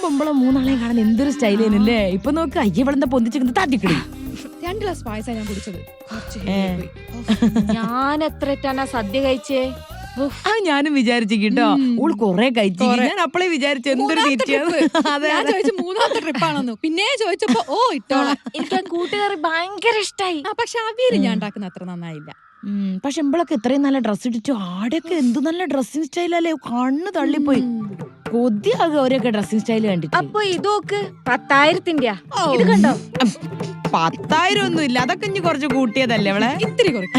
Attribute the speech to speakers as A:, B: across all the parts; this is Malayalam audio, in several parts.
A: നമ്മളെ മൂന്നാളെയും കാണാൻ എന്തൊരു സ്റ്റൈലേനല്ലേ. ഇപ്പൊ നോക്ക് അയ്യവളെന്താ പൊന്തിച്ചിരിക്കുന്നത് താറ്റിക്കിടി.
B: 2 ഗ്ലാസ് പായസം ഞാൻ കുടിച്ചത്.
C: ഞാൻ എത്രട്ടാണ് സദ്യ കഴിച്ചേ.
A: അത് ഞാനും വിചാരിച്ചു കേട്ടോ. ഓൾ കൊറേ കഴിച്ചു. ഞാൻ അപ്പളേ വിചാരിച്ചു എന്തൊരു തീറ്റിയാണ്.
B: ഞാൻ ചോദിച്ചു 3ാമത്തെ ട്രിപ്പാണെന്ന്. പിന്നെ ചോദിച്ചപ്പോ ഇട്ടോളാം.
C: എനിക്ക് കൂട്ടുകാരി ഭയങ്കര ഇഷ്ടായി.
B: പക്ഷെ അവിയല് ഞാൻ ഉണ്ടാക്കുന്ന അത്ര നന്നായില്ല.
A: പക്ഷെ ഇമ്പളൊക്കെ ഇത്രയും നല്ല ഡ്രസ് ഇട്ടിട്ടു ആടെയൊക്കെ എന്ത് നല്ല ഡ്രസ്സിങ് സ്റ്റൈലല്ലേ. കണ്ണ് തള്ളിപ്പോയി. കൊതിയാകുക അവരൊക്കെ ഡ്രസ്സിങ് സ്റ്റൈല് കണ്ടിട്ട്.
C: അപ്പൊ ഇതൊക്കെ 10,000-ന്റെ ഇത് കണ്ടോ.
A: 10,000 ഒന്നും ഇല്ല. അതൊക്കെ ഇനി കുറച്ച് കൂട്ടിയതല്ലേ അവളെ.
B: ഇത്തിരി കുറച്ച്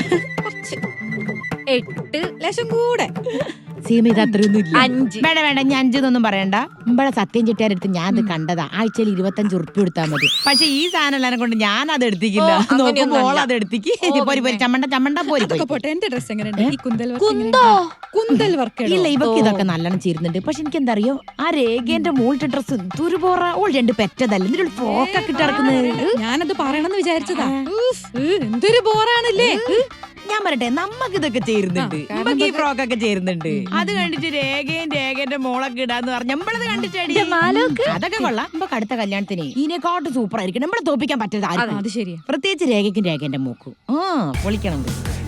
C: 8
B: ലക്ഷം കൂടെ.
A: സീമ ഇത് അത്രയൊന്നും ഇല്ല.
C: 5
A: വേണ്ട വേണ്ട, ഞാൻ 5 പറയണ്ട. ഇമ്പളെ സത്യം ചിട്ടിയാരെടുത്ത് ഞാൻ അത് കണ്ടതാ. ആഴ്ചയിൽ 25 ഉറുപ്പ്യ എടുത്താൽ മതി. പക്ഷെ ഈ സാധനം എല്ലാരും കൊണ്ട് ഞാൻ അത് എടുത്തിക്കില്ല. നോക്കുമ്പോൾ അത് എടുത്തിക്ക്. ചമ്മണ്ട ചമ്മണ്ട പോരി.
B: പോട്ടെ, എന്റെ ഡ്രസ് എങ്ങനെയുണ്ട്? ഈ കുന്തൽ വർക്ക്
A: ഇല്ല, ഇവക്ക് ഇതൊക്കെ നല്ലോണം ചേരുന്നുണ്ട്. പക്ഷെ എനിക്ക് എന്താ അറിയോ, ആ രേഖേന്റെ മോളിട്ട ഡ്രസ് ദുരുപോറ. ഓൾ 2 പെറ്റതല്ല, എന്തൊരു ഫ്രോക്കൊക്കെ ഇട്ടിറക്കുന്നത്.
B: ഞാനത് പറയണമെന്ന് വിചാരിച്ചതാ. എന്തൊരു ബോറാണല്ലേ.
A: ഞാൻ പറയട്ടെ, നമ്മക്ക് ഇതൊക്കെ ചേരുന്നുണ്ട്. നമുക്ക് ഈ ഫ്രോക്കൊക്കെ ചേരുന്നുണ്ട്. അത് കണ്ടിട്ട് രേഖേന്റെ മോളൊക്കെ ഇടാന്ന് പറഞ്ഞ നമ്മളത് കണ്ടിട്ടടി. അതൊക്കെ കൊള്ളാം. നമുക്ക് അടുത്ത കല്യാണത്തിന് ഇതിനെക്കാട്ട് സൂപ്പർ ആയിരിക്കും. നമ്മളെ തോപ്പിക്കാൻ പറ്റരുത്.
B: അത് ശരിയാ.
A: പ്രത്യേകിച്ച് രേഖേന്റെ മൂക്കും പൊളിക്കണം.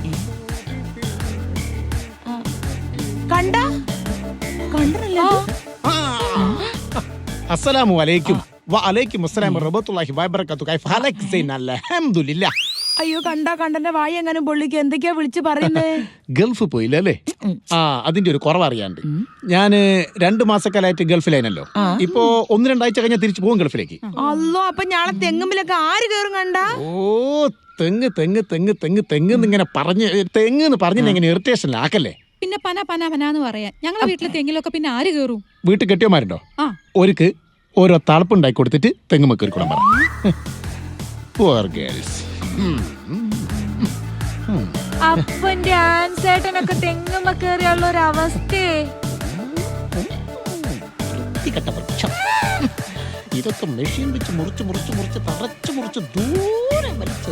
A: കണ്ടല്ലോ.
D: അസ്സലാമു അലൈക്കും. വഅലൈക്കും അസ്സലാം വറഹ്മത്തുള്ളാഹി വബറകാതുഹു. കൈഫ ഹലക് സൈൻ അൽഹംദുലില്ലാഹ്.
A: അയ്യോ, കണ്ടന്റെ വായ എങ്ങനെ പൊള്ളിക്ക്. എന്തൊക്കെയാ വിളിച്ചു പറയുന്നേ?
D: ഗൾഫ് പോയില്ലേ? അതിന്റെ ഒരു കുറവറിയാണ്ട്. ഞാന് 2 മാസക്കാലായിട്ട് ഗൾഫിലായിരുന്നല്ലോ. ഇപ്പൊ 1-2 ആഴ്ച കഴിഞ്ഞാൽ തിരിച്ചു പോകും ഗൾഫിലേക്ക്.
A: അല്ലോ, അപ്പൊ ഞാളെ തെങ്ങുമ്പിലൊക്കെ ആര് കേറും കണ്ട.
D: തെങ്ങ് തെങ്ങ് തെങ്ങ് തെങ്ങ് തെങ്ങ് ഇങ്ങനെ പറഞ്ഞ് തെങ്ങ് പറഞ്ഞ് എങ്ങനെ ഇറിറ്റേഷനിലാക്കല്ലേ.
B: പിന്നെ പന പറയാൻ ഞങ്ങളെ വീട്ടിലെ തെങ്ങിലൊക്കെ പിന്നെ ആര് കേറും?
D: വീട്ടിൽ കെട്ടിയോമാരുണ്ടോ? ഒരുക്ക് ഓരോ തളപ്പുണ്ടാക്കി കൊടുത്തിട്ട് തെങ്ങ് മക്കരിക്കൂടാൻ പറ.
C: അപ്പന്റെ ആൻസേട്ടനൊക്കെ തെങ്ങുമ്മ കേറിയുള്ള ഒരു അവസ്ഥയെ.
D: ഇതൊക്കെ മെഷീൻ വെച്ച് മുറിച്ച് തറച്ച് ദൂരെ വലിച്ച്